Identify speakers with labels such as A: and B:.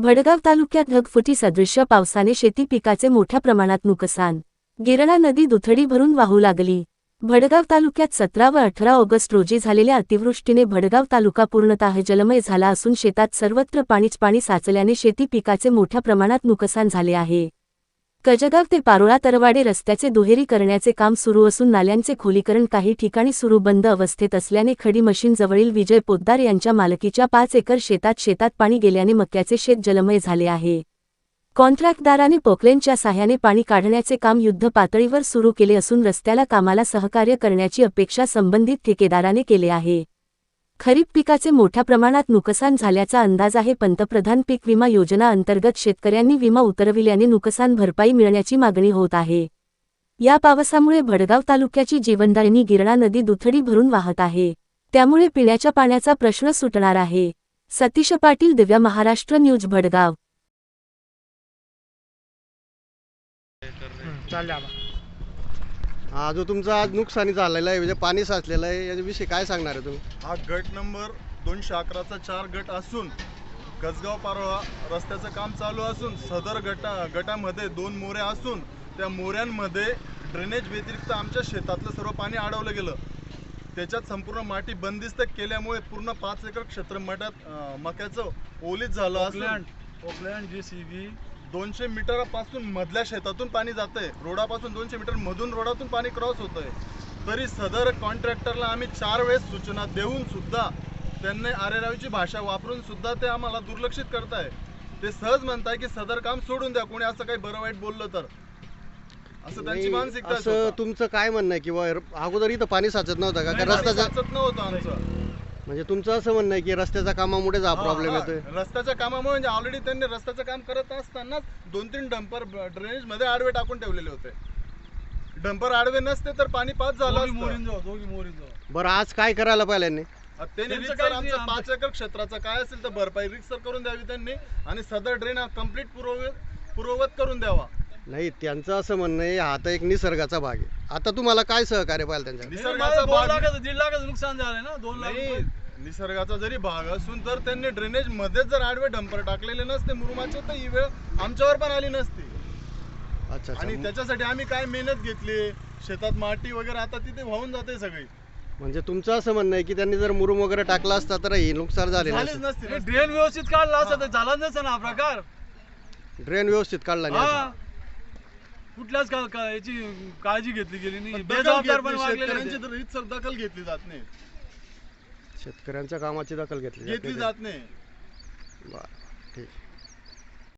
A: भडगाव तालुक्यात ढगफुटी सदृश्य पावसाने शेती पिकाचे मोठ्या प्रमाणात नुकसान। गिरणा नदी दुथडी भरून वाहू लागली। भडगाव तालुक्यात 17 व 18 ऑगस्ट रोजी झालेल्या अतिवृष्टीने भडगाव तालुका पूर्णतः जलमय झाला असून शेतात सर्वत्र पाणी साचल्याने शेती पिकाचे मोठ्या प्रमाणात नुकसान झाले आहे। कजगाव ते पारोळा तरवाडे रस्त्याचे दुहेरी करण्याचे काम सुरू असून नाल्यांचे खोलीकरण काही ठिकाणी सुरू बंद अवस्थेत असल्याने खडी मशीन जवळील विजय पोद्दार यांच्या मालकीच्या 5 एकर शेतात पाणी गेल्याने मक्याचे शेत जलमय झाले आहे। कॉन्ट्रॅक्टदाराने पोकलेनच्या साह्याने पाणी काढण्याचे काम युद्ध पातळीवर सुरू केले असून रस्त्याला कामाला सहकार्य करण्याची अपेक्षा संबंधित ठेकेदाराने केले आहे। खरीप पिकाचे मोठ्या प्रमाणात नुकसान झाल्याचा अंदाज आहे। पंतप्रधान पीक विमा योजना अंतर्गत शेतकऱ्यांनी विमा उतरविल्याने नुकसान भरपाई मिळण्याची मागणी होत आहे। या पावसामुळे भडगाव तालुक्याची जीवनदायिनी गिरणा नदी दुथडी भरून वाहत आहे, त्यामुळे पिण्याच्या पाण्याचा प्रश्न सुटणार आहे। सतीश पाटील, दिव्य महाराष्ट्र न्यूज, भडगाव।
B: हा जो तुमचा आज नुकसानी झालेला आहे, म्हणजे पाणी साचलेलं आहे, याच्याविषयी काय सांगणार आहे तुम्ही?
C: हा गट नंबर 211चा 4 गट असून कसगाव पारोळा रस्त्याचं काम चालू असून सदर गटामध्ये 2 मोऱ्या असून त्या मोऱ्यांमध्ये ड्रेनेज व्यतिरिक्त आमच्या शेतातलं सर्व पाणी अडवलं गेलं। त्याच्यात संपूर्ण माती बंदिस्त केल्यामुळे पूर्ण 5 एकर क्षेत्र मक्याचं ओलीत झालं असून ओकलँड JCB 200 मीटरपासून मधल्या शेतातून पाणी जातंय, रोडापासून 200 मीटर मधून रोडातून पाणी क्रॉस होतंय। तरी सदर कॉन्ट्रॅक्टरला आम्ही 4 वेळेस सूचना देऊन सुद्धा त्यांनी आरेरावीची भाषा वापरून सुद्धा ते आम्हाला दुर्लक्षित करताय। ते सहज म्हणताय की सदर काम सोडून द्या, कोणी असं काही बरं वाईट बोललं तर, असं त्यांची मानसिकता।
B: असं तुमचं काय म्हणणं आहे किंवा अगोदर इथं पाणी साचत नव्हतं का? रस्त्याचं
C: साचत नव्हतं आमचं।
B: म्हणजे तुमचं असं म्हणणं आहे की रस्त्याच्या कामामुळे हा प्रॉब्लेम येतोय?
C: रस्त्याच्या कामामुळे म्हणजे ऑलरेडी त्यांनी रस्त्याचं काम करत असताना 2-3 डंपर ड्रेनेज मध्ये आडवे टाकून ठेवलेले होते। डंपर आडवे नसते तर पाणी पास झालं असतं।
B: बरं, आज काय करायला पाहिजे यांनी?
C: त्यांनी रिक्सर आमचं 5 एकर क्षेत्राचं काय असेल तर भरपाई रिक्सर करून द्यावी त्यांनी आणि सदर ड्रेन कंप्लीट पूर्ववत करून द्यावा।
B: नाही, त्यांचं असं म्हणणं आहे हा तर एक निसर्गाचा भाग आहे। आता तुम्हाला काय सहकार्य पाहिजे त्यांच्या?
C: निसर्गाचा भाग
D: 1.5 लाखाचं नुकसान झालंय ना, 2 लाख।
C: निसर्गाचा जरी भाग असून तर त्यांनी ड्रेनेज मध्ये जर आडवे डंपर टाकलेले नसते मुरुमाचे तर ही वेळ आमच्यावर पण आली नसती।
B: अच्छा,
C: आणि त्याच्यासाठी आम्ही काय मेहनत घेतली, शेतात माती वगैरे आता तिथे वाहून जाते सगळी।
B: म्हणजे तुमचं असं म्हणणं आहे की त्यांनी जर मुरुम वगैरे टाकला असता तर हे नुकसान झालेलं
C: नसते।
D: ड्रेन व्यवस्थित काढला असता तर झाला नसता ना हा प्रकार।
B: ड्रेन व्यवस्थित काढला नाही,
D: कुठल्याच याची काळजी घेतली गेली नाही,
C: बेजबाबदारपणे वागलेले दखल घेतली जात नाही,
B: शेतकऱ्यांच्या कामाची दखल घेतली
C: जात नाही।
B: बरं, ठीक.